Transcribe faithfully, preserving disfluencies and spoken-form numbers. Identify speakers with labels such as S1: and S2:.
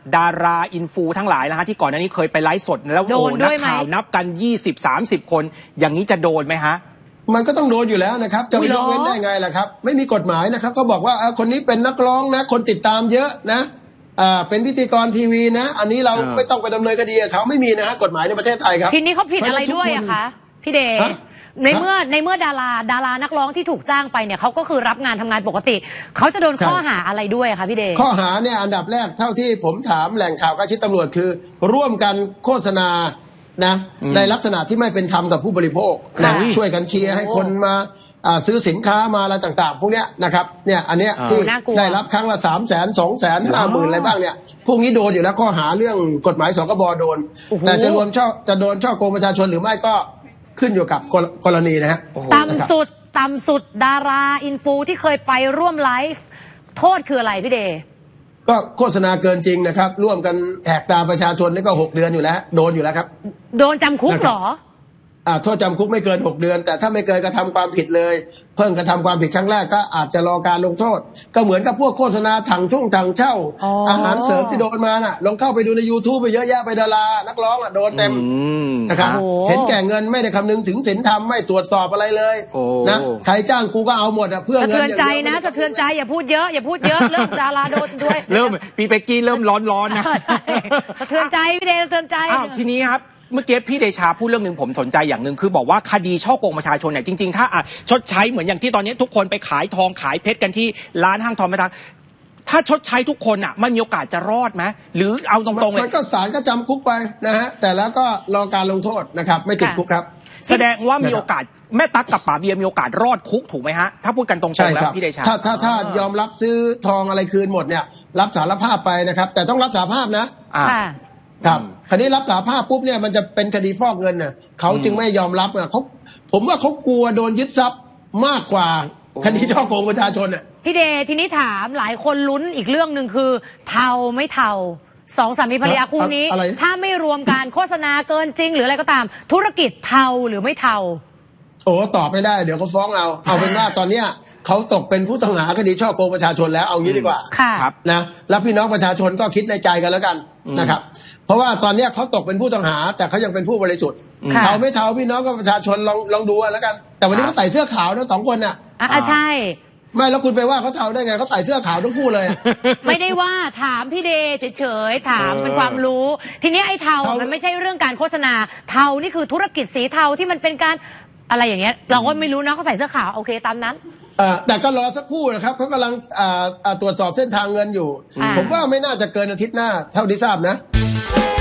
S1: ดาราอินฟูทั้งหลายนะฮะที่ก่อนหน้านี้เคยไปไลฟ์สดแล้วโอ้นักข่าวนับกัน ยี่สิบ สามสิบ คนอย่างนี้จะโดนไหมฮะ
S2: มันก็ต้องโดนอยู่แล้วนะครับจะไปยกเว้นได้ไงล่ะครับไม่มีกฎหมายนะครับก็บอกว่าคนนี้เป็นนักร้องนะคนติดตามเยอะนะอ่าเป็นพิธีกรทีวีนะอันนี้เราไม่ต้องไปดำเนินคดีกับเขาไม่มีนะฮะกฎหมายในประเทศไทยครับ
S3: ทีนี้เขาผิดอะไรด้วยอะคะพี่เดชในเมื่อในเมื่อดาราดารานักร้องที่ถูกจ้างไปเนี่ยเขาก็คือรับงานทำงานปกติเขาจะโดนข้อหาอะไรด้วยคะพี่เดช
S2: ข้อหาเนี่ยอันดับแรกเท่าที่ผมถามแหล่งข่าวใกล้ชิดตำรวจคือ ร่วมกันโฆษณานะในลักษณะที่ไม่เป็นธรรมกับผู้บริโภคนะช่วยกันเชียร์ให้คนมาซื้อสินค้ามาอะไรต่างๆพวกเนี้ยนะครับเนี่ยอันเนี้ยที่ได้รับครั้งละสามแสนสองแสนห้าหมื่นอะไรบ้างเนี่ยพวกนี้โดนอยู่แล้วข้อหาเรื่องกฎหมายสกบโดนแต่จะรวมช่อจะโดนช่อโกงประชาชนหรือไม่ก็ขึ้นอยู่กับกรณีนะฮะ
S3: ต่ำสุดต่ำสุดดาราอินฟูที่เคยไปร่วมไลฟ์โทษคืออะไรพี่เดช
S2: ก็โฆษณาเกินจริงนะครับร่วมกันแหกตาประชาชนนี่ก็หกเดือนอยู่แล้วโดนอยู่แล้วครับ
S3: โดนจำคุกเหรอ
S2: อ่าโทษจำคุกไม่เกินหกเดือนแต่ถ้าไม่เกินกระทำความผิดเลยเพิ่งกระทำความผิดครั้งแรกก็อาจจะรอการลงโทษก็เหมือนกับพวกโฆษณาถังช่วงถังเช่า อ, อาหารเสริมที่โดนมาน่ะลองเข้าไปดูใน YouTube ไปเยอะแยะไปดารานักร้องอ่ะโดนเต็มนะครับเห็นแก่เงินไม่ได้คำนึงถึงศีลธรรมไม่ตรวจสอบอะไรเลยนะใครจ้างกูก็เอาหมดอ่ะเพื่อเงิน
S3: สะเทือนใจนะสะเทือนใจอย่าพูดเยอะอย่าพูดเยอะเรื่องดาราโดนด้วย
S1: เริ่มพี่เป๊กกี้เริ่มร้อนๆนะ
S3: สะเทือนใจพี่เดชสะเทือนใจ
S1: อ้าวทีนี้ครับเมื่อกี้พี่เดชาพูดเรื่องหนึ่งผมสนใจอย่างหนึ่งคือบอกว่าคดีช่อโกงประชาชนเนี่ยจริงๆถ้าชดใช้เหมือนอย่างที่ตอนนี้ทุกคนไปขายทองขายเพชรกันที่ร้านห้างทองไม่ทังถ้าชดใช้ทุกคนอ่ะมันมีโอกาสจะรอดไหมหรือเอาตรงๆเลย
S2: มันก็ศาลก็จำคุกไปนะฮะแต่แล้วก็รอการลงโทษนะครับไม่ติดคุกครับ
S1: แสดงว่ามีโอกาสแม่ตั๊กกับป๋าเบียร์มีโอกาสรอดคุกถูกไหมฮะถ้าพูดกันตรงๆแล้วพี่เดชา
S2: ถ้าถ้าถ้ายอมรับซื้อทองอะไรคืนหมดเนี่ยรับสารภาพไปนะครับแต่ต้องรับสารภาพนะครับคดีรับสารภาพปุ๊บเนี่ยมันจะเป็นคดีฟอกเงินน่ะเขาจึงไม่ยอมรับอ่ะเขาผมว่าเขากลัวโดนยึดทรัพย์มากกว่าคดีช่อโกงประชาชนอ่ะ
S3: พี่เดชทีนี้ถามหลายคนลุ้นอีกเรื่องหนึ่งคือเทาไม่เทาสองสามีภรรยาคู่นี้ถ้าไม่รวมการโฆษณาเกินจริงหรืออะไรก็ตามธุรกิจเทาหรือไม่เทา
S2: โอ้ตอบไม่ได้เดี๋ยวเขาฟ้องเอาเอาเป็นว่าตอนเนี้ยเขาตกเป็นผู้ต้องหาคดีช่อโกงประชาชนแล้วเอางี้ดีกว่า
S3: ครับ
S2: นะแล้วพี่น้องประชาชนก็คิดในใจกันแล้วกันนะครับเพราะว่าตอนนี้เขาตกเป็นผู้ต้องหาแต่เขายังเป็นผู้บริสุทธิ์เทาไม่เทาพี่น้องกับประชาชนลองลองดูแล้วกันแต่วันนี้เขาใส่เสื้อขาวทั้งสองคนน่ะ
S3: อ่ะใช่
S2: ไม่แล้วคุณไปว่าเขาเทาได้ไงเขาใส่เสื้อขาวทั้งคู่เลย
S3: ไม่ได้ว่าถามพี่เดชเฉยๆถามเป็นความรู้ทีนี้ไอ้เทามันไม่ใช่เรื่องการโฆษณาเทานี่คือธุรกิจสีเทาที่มันเป็นการอะไรอย่างเงี้ยเราก็ไม่รู้นะเขาใส่เสื้อขาวโอเคตามนั้น
S2: แต่ก็รอสักครู่นะครับเขากำลังตรวจสอบเส้นทางเงินอยู่ผมว่าไม่น่าจะเกินอาทิตย์หน้าเท่าที่ทราบนะ